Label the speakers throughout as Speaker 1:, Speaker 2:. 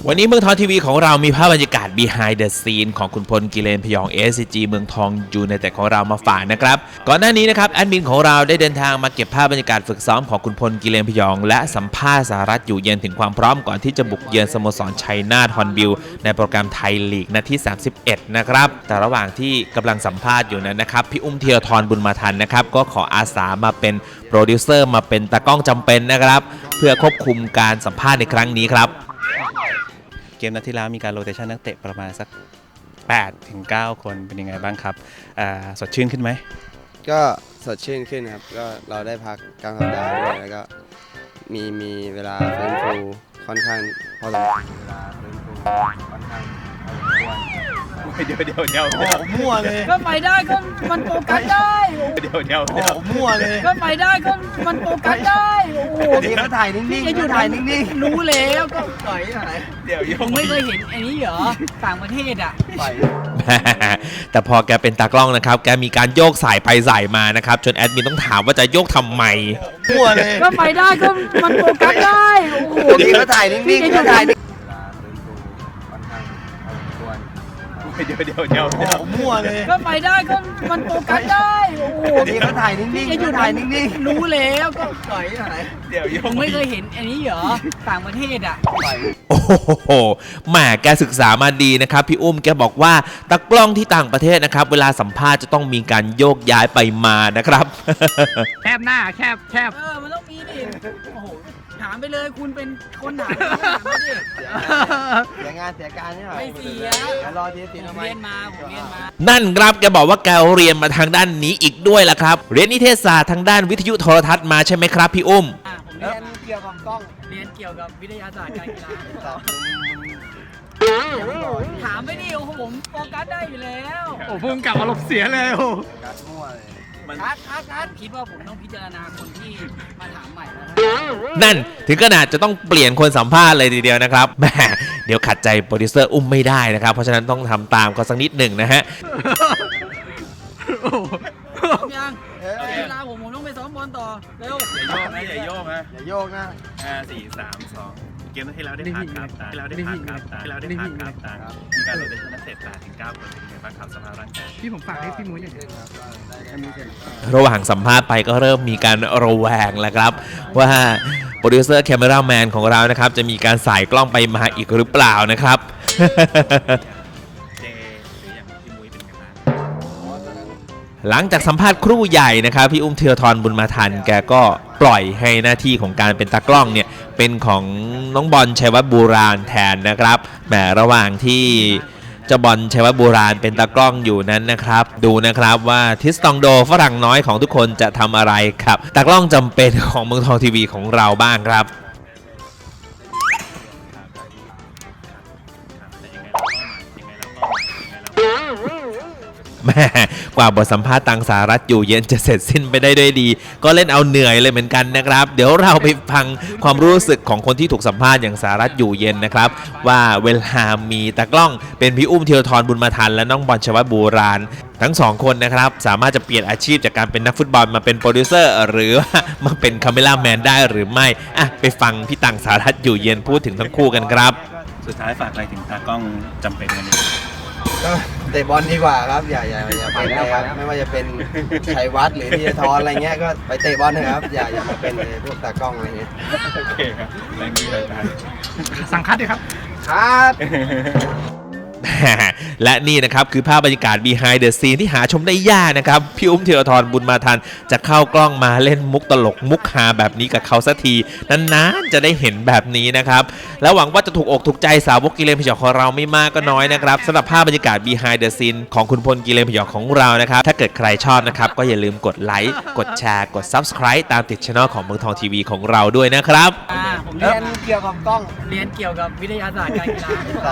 Speaker 1: วันนี้เมืองทองทีวีของเรามีภาพบรรยากาศ behind the scene ของคุณพลกิเลนพยอง SCG เมืองทองยูไนเต็ดของเรามาฝากนะครับก่อนหน้านี้นะครับแอดมินของเราได้เดินทางมาเก็บภาพบรรยากาศฝึกซ้อมของคุณพลกิเลนพยองและสัมภาษณ์สหรัฐอยู่เย็นถึงความพร้อมก่อนที่จะบุกเยือนสโมสรชัยนาทฮอนบิลในโปรแกรมไทยลีกนัดที่31นะครับแต่ระหว่างที่กำลังสัมภาษณ์อยู่นั้นนะครับพี่อุ้มเทียทรบุญมาทันนะครับก็ขออาสามาเป็นโปรดิวเซอร์มาเป็นตากล้องจำเป็นนะครับเพื่อควบคุมการสัมภาษณ์ในครั้งนี้ครับเกมนัดที่แล้วมีการโรเตชันนักเตะประมาณสัก8 ถึง 9 คนเป็นยังไงบ้างครับสดชื่นขึ้นไหม
Speaker 2: ก็สดชื่นขึ้นครับก็เราได้พักกลางสัปดาห์ด้วยแล้วก็มีเวลาฟื้นฟูค่อนข้างพอสมควรเวลาฟื้นฟูค่อนข้างพอสมควร
Speaker 1: เดี๋ยว
Speaker 3: โอ้มั่วเลย
Speaker 4: ก็ไปได้ก็มันโฟกัสได้
Speaker 1: เดี๋ยว
Speaker 3: โอ้มั่วเลย
Speaker 4: ก็ไปได้ก็มันโฟกัสได้โอ้โห
Speaker 3: นี่ก็ถ่ายนิ่งๆถ่ายนิ่ง
Speaker 4: ๆรู้แล้วก็
Speaker 3: ปล่อยถ่าย
Speaker 1: เดี๋ยว
Speaker 4: ผมไม่เคยเห็นอันนี้เหรอต่างประเทศอ่ะ
Speaker 3: ปล่อย
Speaker 1: แต่พอแกเป็นตากล้องนะครับแกมีการโยกสายไปสายมานะครับจนแอดมินต้องถามว่าจะโยกทำไม
Speaker 3: มั่วเลย
Speaker 4: ก็ไปได้ก็มันโฟกัสได้โอ้โห
Speaker 3: นี่ก็ถ่ายนิ่งๆถ่าย
Speaker 1: เดี๋ยว
Speaker 3: โอ้มั่วเลย
Speaker 4: ก็ไปได้ก็มันโฟกัสได้โอ้โห
Speaker 3: นี่ก็ถ่ายนิ่งๆถ่ายนิ่ง
Speaker 4: ๆรู้แล้วก็
Speaker 3: ปล่อยถ่าย
Speaker 1: เดี๋ยว
Speaker 4: ผมไม่เคยเห็นอันนี้เหรอต่างประเทศอ่ะ
Speaker 1: โอ้โหแหมแกศึกษามาดีนะครับพี่อุ้มแกบอกว่าตากล้องที่ต่างประเทศนะครับเวลาสัมภาษณ์จะต้องมีการโยกย้ายไปมานะครับ
Speaker 4: แคบหน้าแคบมันต้องมีดิโอ้โหถามไปเลยคุณเป็นคนถามไม่ดิ
Speaker 3: เสียงานเสียการนี่หรอ
Speaker 4: ไม่เสีย
Speaker 3: รอทีสิทำไม
Speaker 4: เรียนมา
Speaker 1: นั่นครับแกบอกว่าแกเรียนมาทางด้านนี้อีกด้วยล่ะครับเรียนนิเทศศาสตร์ทางด้านวิทยุโทรทัศน์มาใช่ไหมครับพี่อุ้ม
Speaker 4: ผม
Speaker 3: เรียนเกี่ยวกับกล้อง
Speaker 4: เรียนเกี่ยวกับวิทยาศาสตร์การกีฬาถามไม่ดีโอ้โหผมโฟกัสได้อยู่แล้ว
Speaker 3: โอ้พุ่งกลับอารมณ์เสียเลยโอ้กัดมั่วเลย
Speaker 4: คัดคิดว่าผมต้องพิจารณาคนที่มาถามใหม่แล้ว
Speaker 1: นั่นถึงขนาดจะต้องเปลี่ยนคนสัมภาษณ์เลยทีเดียวนะครับแหมเดี๋ยวขัดใจโปรดิวเซอร์อุ้มไม่ได้นะครับเพราะฉะนั้นต้องทำตามเขาสักนิดหนึ่งนะฮะ
Speaker 4: ยังเวลาผมต้องไปซ้อมบอลต่อเร็ว
Speaker 1: อย่าโยกนะ4 3 2เกมที่แล้วได้ผ่านครับที่แล้วได้ผ่านครับมีการโรเตชันนักเตะ8 ถึง 9 คนเป็นยังไงบ้างครับสภาพร่างกาย
Speaker 3: ที่ผมฝากให้พี่มุ้ยเนี่ย
Speaker 1: ระหว่างสัมภาษณ์ไปก็เริ่มมีการระแวงแล้วครับว่าโปรดิวเซอร์แคมเมราแมนของเรานะครับจะมีการสายกล้องไปมาอีกหรือเปล่านะครับหลังจากสัมภาษณ์ครู่ใหญ่นะครับพี่อุ้มเทียทรบุญมาทันแกก็ปล่อยให้หน้าที่ของการเป็นตากล้องเนี่ยเป็นของน้องบอลชัยวัฒน์บูราณแทนนะครับแหมระหว่างที่เจ้าบอลชัยวัฒน์บูราณเป็นตากล้องอยู่นั้นนะครับดูนะครับว่าทิสตองโดฝรั่งน้อยของทุกคนจะทำอะไรครับตากล้องจำเป็นของเมืองทองทีวีของเราบ้างครับแม่กว่าบทสัมภาษณ์ตังสหรัฐอยู่เย็นจะเสร็จสิ้นไปได้ด้วยดีก็เล่นเอาเหนื่อยเลยเหมือนกันนะครับเดี๋ยวเราไปฟังความรู้สึกของคนที่ถูกสัมภาษณ์อย่างสหรัฐอยู่เย็นนะครับว่าเวลามีตากล้องเป็นพี่อุ้มเทียทรบุญมาทันและน้องบอลชัยวัฒน์บูราณทั้งสองคนนะครับสามารถจะเปลี่ยนอาชีพจากการเป็นนักฟุตบอลมาเป็นโปรดิวเซอร์หรือว่ามาเป็นคาเมล่าแมนได้หรือไม่ไปฟังพี่ตังสหรัฐอยู่เย็นพูดถึงทั้งคู่กันครับ
Speaker 5: สุดท้ายฝากอะไรถึงตากล้องจำเป็นวันนี้
Speaker 2: ก็เตะบอลดีกว่าครับอย่าไปแล้วครับไม่ว่าจะเป็นชัยวัฒน์หรือธีรทรอะไรเงี้ยก็ไปเตะบอลนะครับอย่ามาเป็นพวกตากล้องอะไรเงี้ย
Speaker 5: โอเคครับแรงดีเลย
Speaker 3: สั่งคัดเลยครับ
Speaker 2: คัด
Speaker 1: และนี่นะครับคือภาพบรรยากาศ behind the scene ที่หาชมได้ยากนะครับพี่อุ้มเทียทรบุญมาทันจะเข้ากล้องมาเล่นมุกตลกมุกฮาแบบนี้กับเขาสักทีนานๆจะได้เห็นแบบนี้นะครับแล้วหวังว่าจะถูกอกถูกใจสาวกกิเลนพยองของเราไม่มากก็น้อยนะครับสำหรับภาพบรรยากาศ behind the scene ของคุณพลกิเลนพยองของเรานะครับถ้าเกิดใครชอบนะครับก็อย่าลืมกดไลค์กดแชร์กด subscribe ตามติดช่องของเมืองทองทีวีของเราด้วยนะครับ
Speaker 4: ผม
Speaker 3: เรียนเกี่ยวกับกล้อง
Speaker 4: เรียนเกี่ยวกับวิทยาศาสตร์การกีฬา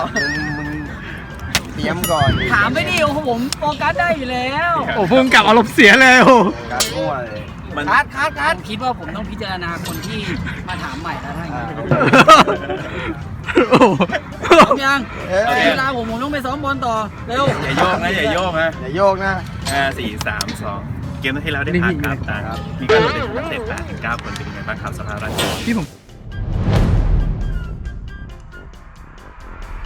Speaker 2: เตรียมก่อน
Speaker 4: ถามไม่ดีโอ้โหผมโฟกัสได้อยู่แล้ว
Speaker 3: โอ้พุ่งกลับอารมณ์เสียเลยโอ้
Speaker 2: กัดมั่วเลย
Speaker 4: คัดคิดว่าผมต้องพิจารณาคนที่มาถามใหม่แล้วถ้าอย่างนี้ยังเวลาผมต้องไปซ้อมบอลต่อเร็ว
Speaker 5: อย่าโยกนะ
Speaker 2: อย่าโยกนะ
Speaker 5: 4 3 2เกมที่แล้วได้ผ่านครับมีการโรเตชันนักเตะ8 ถึง 9 คนเป็นยังไงบ้างครับสภาพร่างกาย
Speaker 3: ที่ผม